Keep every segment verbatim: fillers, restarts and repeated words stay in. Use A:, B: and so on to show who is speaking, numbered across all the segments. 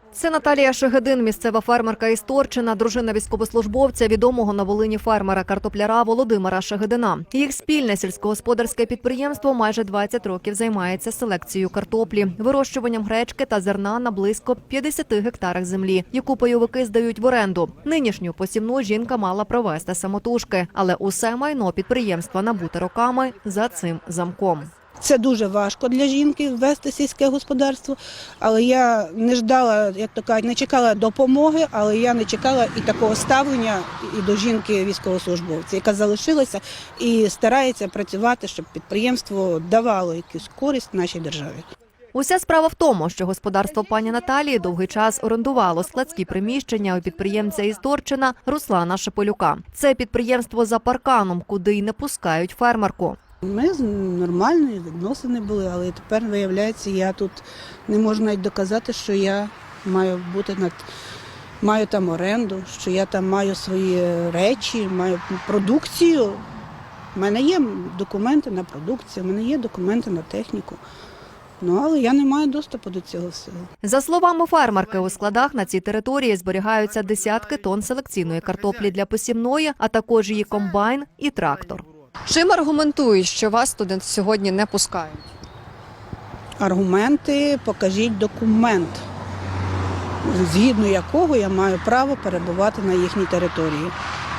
A: Це Наталія Шегедин, місцева фермерка із Торчина, дружина військовослужбовця, відомого на Волині фермера-картопляра Володимира Шегедина. Їх спільне сільськогосподарське підприємство майже двадцять років займається селекцією картоплі, вирощуванням гречки та зерна на близько п'ятдесяти гектарах землі, яку пайовики здають в оренду. Нинішню посівну жінка мала провести самотужки, але усе майно підприємства набуте роками за цим замком.
B: Це дуже важко для жінки вести сільське господарство, але я не ждала, як то кажуть, не чекала допомоги, але я не чекала і такого ставлення і до жінки військовослужбовця, яка залишилася і старається працювати, щоб підприємство давало якусь користь нашій державі.
A: Уся справа в тому, що господарство пані Наталії довгий час орендувало складські приміщення у підприємця із Торчина Руслана Шепелюка. Це підприємство за парканом, куди й не пускають фермерку.
B: Ми нормальні відносини були, але тепер, виявляється, я тут не можу навіть доказати, що я маю бути над, маю там оренду, що я там маю свої речі, маю продукцію. У мене є документи на продукцію, у мене є документи на техніку. Ну, але я не маю доступу до цього всього.
A: За словами фермерки, у складах на цій території зберігаються десятки тонн селекційної картоплі для посівної, а також її комбайн і трактор. Чим аргументують, що вас туди сьогодні не пускають?
B: Аргументи, покажіть документ, згідно якого я маю право перебувати на їхній території.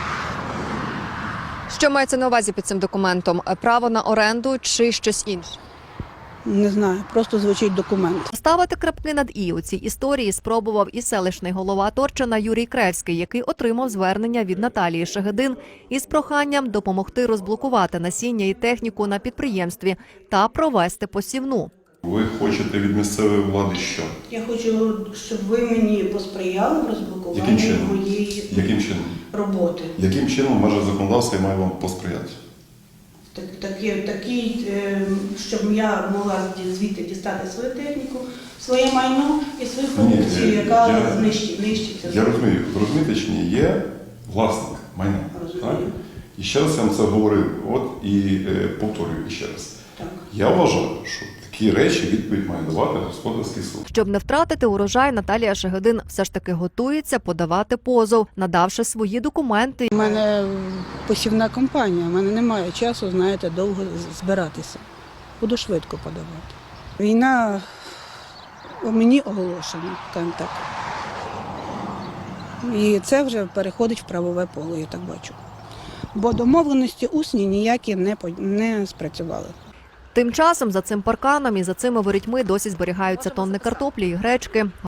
A: Що мається на увазі під цим документом? Право на оренду чи щось інше?
B: Не знаю, просто звучить документ.
A: Ставити крапки над «і» у цій історії спробував і селищний голова Торчина Юрій Кревський, який отримав звернення від Наталії Шегедин із проханням допомогти розблокувати насіння і техніку на підприємстві та провести посівну.
C: Ви хочете від місцевої влади що?
B: Я хочу, щоб ви мені посприяли в розблокуванні
C: Яким чином?
B: моєї
C: Яким чином?
B: роботи.
C: Яким чином може законодавство має вам посприяти?
B: Так, такі, такі, е, щоб я могла звідти дістати свою техніку, своє майно і свою продукцію,
C: Ні,
B: яка
C: я,
B: знищить, нищиться.
C: Я розумію, ви розумієте чи ні, є власник майна.
B: Розумію.
C: Так? І ще раз я вам це говорив, от і е, повторюю ще раз.
B: Так.
C: Я вважаю, що такі речі відповідь має давати господарський суд.
A: Щоб не втратити урожай, Наталія Шегедин все ж таки готується подавати позов, надавши свої документи.
B: У мене посівна компанія, у мене немає часу, знаєте, довго збиратися. Буду швидко подавати. Війна у мені оголошена, скажімо так. І це вже переходить в правове поле, я так бачу. Бо домовленості усні ніякі не, не спрацювали.
A: Тим часом за цим парканом і за цими ворітьми досі зберігаються тонни картоплі і гречки.